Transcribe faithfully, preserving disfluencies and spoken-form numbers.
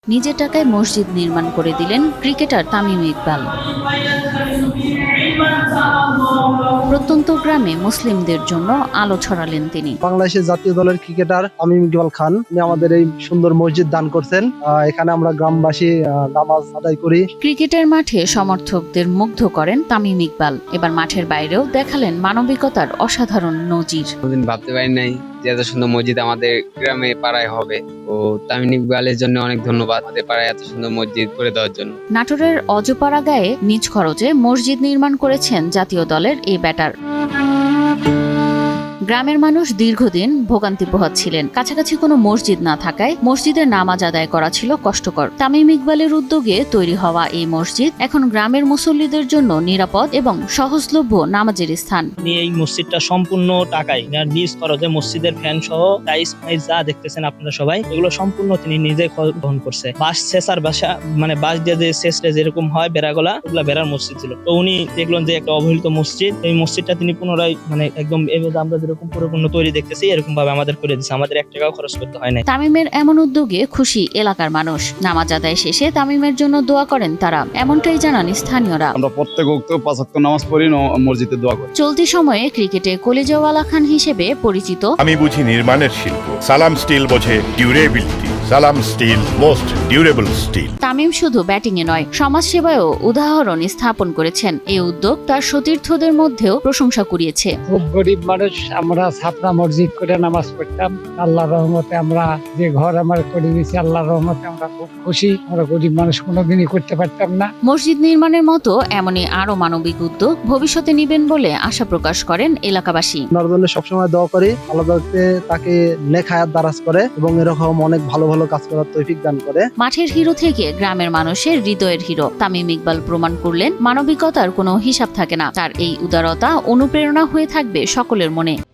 নিজের টাকায় মসজিদ নির্মাণ করে দিলেন ক্রিকেটার তামিম ইকবাল। প্রত্যন্ত গ্রামে মুসলিমদের জন্য আলো ছড়ালেন তিনি। বাংলাদেশের জাতীয় দলের ক্রিকেটার তামিম ইকবাল খান তিনি আমাদের এই সুন্দর মসজিদ দান করছেন। এখানে আমরা গ্রামবাসী নামাজ আদায় করি। ক্রিকেটের মাঠে সমর্থকদের মুগ্ধ করেন তামিম ইকবাল। এবার মাঠের বাইরেও দেখালেন মানবিকতার অসাধারণ নজির। কোনদিন ভাবতে পারি নাই যে এত সুন্দর মসজিদ আমাদের গ্রামে পাড়ায় হবে। ও তামিম ইকবালের জন্য অনেক ধন্যবাদ, আমাদের পাড়ায় এত সুন্দর মসজিদ করে দেওয়ার জন্য। নাটোরের অজপাড়া গায়ে নিজ খরচে মসজিদ নির্মাণ করেছেন জাতীয় দলের এই ব্যাটার। গ্রামের মানুষ দীর্ঘদিন ভোগান্তি পোহাচ্ছিলেন। কাছাকাছি কোনো মসজিদ না থাকায় মসজিদের নামাজ আদায় করা ছিল কষ্টকর। তামিম ইকবালের উদ্যোগে তৈরি হওয়া এই মসজিদ এখন গ্রামের মুসল্লিদের জন্য নিরাপদ এবং সহজলভ্য নামাজের স্থান। এই মসজিদটা সম্পূর্ণ টাকায় নিজ খরচে মসজিদের ফ্যান সহ টাইস ফাইস যা দেখতেছেন আপনারা সবাই, এগুলো সম্পূর্ণ তিনি নিজে বহন করছে। বাঁশ ছেঁচার বাসা মানে বাঁশ দিয়ে যে শেষটা যেরকম হয় বেড়াগলা, ওগুলা বেড়ার মসজিদ ছিল। তো উনি দেখলেন যে একটা অবহেলিত মসজিদ, এই মসজিদটা তিনি পুনরায় মানে একদম এভাবে আমরা যেরকম পরিপূর্ণ তৈরি দেখতেছি এরকম ভাবে আমাদের করে দিচ্ছে। আমাদের এক টাকাও খরচ করতে হয় না। তামিমের এমন উদ্যোগে খুশি এলাকার মানুষ। নামাজ আদায় শেষে তামিমের জন্য দোয়া করেন তারা, এমনটাই জানান স্থানীয়রা। আমরা প্রত্যেক ওয়াক্ত পাঁচ ওয়াক্ত নামাজ পড়ি, মসজিদে দোয়া করি। চলতি সময়ে ক্রিকেটে কলিজাওয়ালা খান হিসেবে পরিচিত। আমি বুঝি নির্মাণের শিল্প, সালাম স্টিল বোঝে durability. Salam steel, most durable steel. Tamim শুধু ব্যাটিংয়ে নয়, সমাজসেবায়ও উদাহরণ স্থাপন করেছেন। এই উদ্যোগ তার সতীর্থদের মধ্যেও প্রশংসা কুড়িয়েছে। খুব গরিব মানুষ, আমরা ছাপরা মসজিদ করে নামাজ পড়তাম। আল্লাহর রহমতে আমরা যে ঘর আমার করে দিয়েছি, আল্লাহর রহমতে আমরা খুব খুশি। আমরা গরিব মানুষ কোনোদিনই করতে পারতাম না। মসজিদ নির্মাণের মতো এমনই আরো মানবিক উদ্যোগ ভবিষ্যতে নিবেন বলে আশা প্রকাশ করেন এলাকাবাসী। ওনার জন্য সবসময় দোয়া করি, আল্লাহ তাকে নেক হায়াত দারাজ করে এবং এরকম অনেক ভালো ভালো কাজ করার তৌফিক দান করে। মাঠের হিরো থেকে গ্রামের মানুষের হৃদয়ের হিরো তামিম ইকবাল প্রমাণ করলেন মানবিকতার কোনো হিসাব থাকে না। তার এই উদারতা অনুপ্রেরণা হয়ে থাকবে সকলের মনে।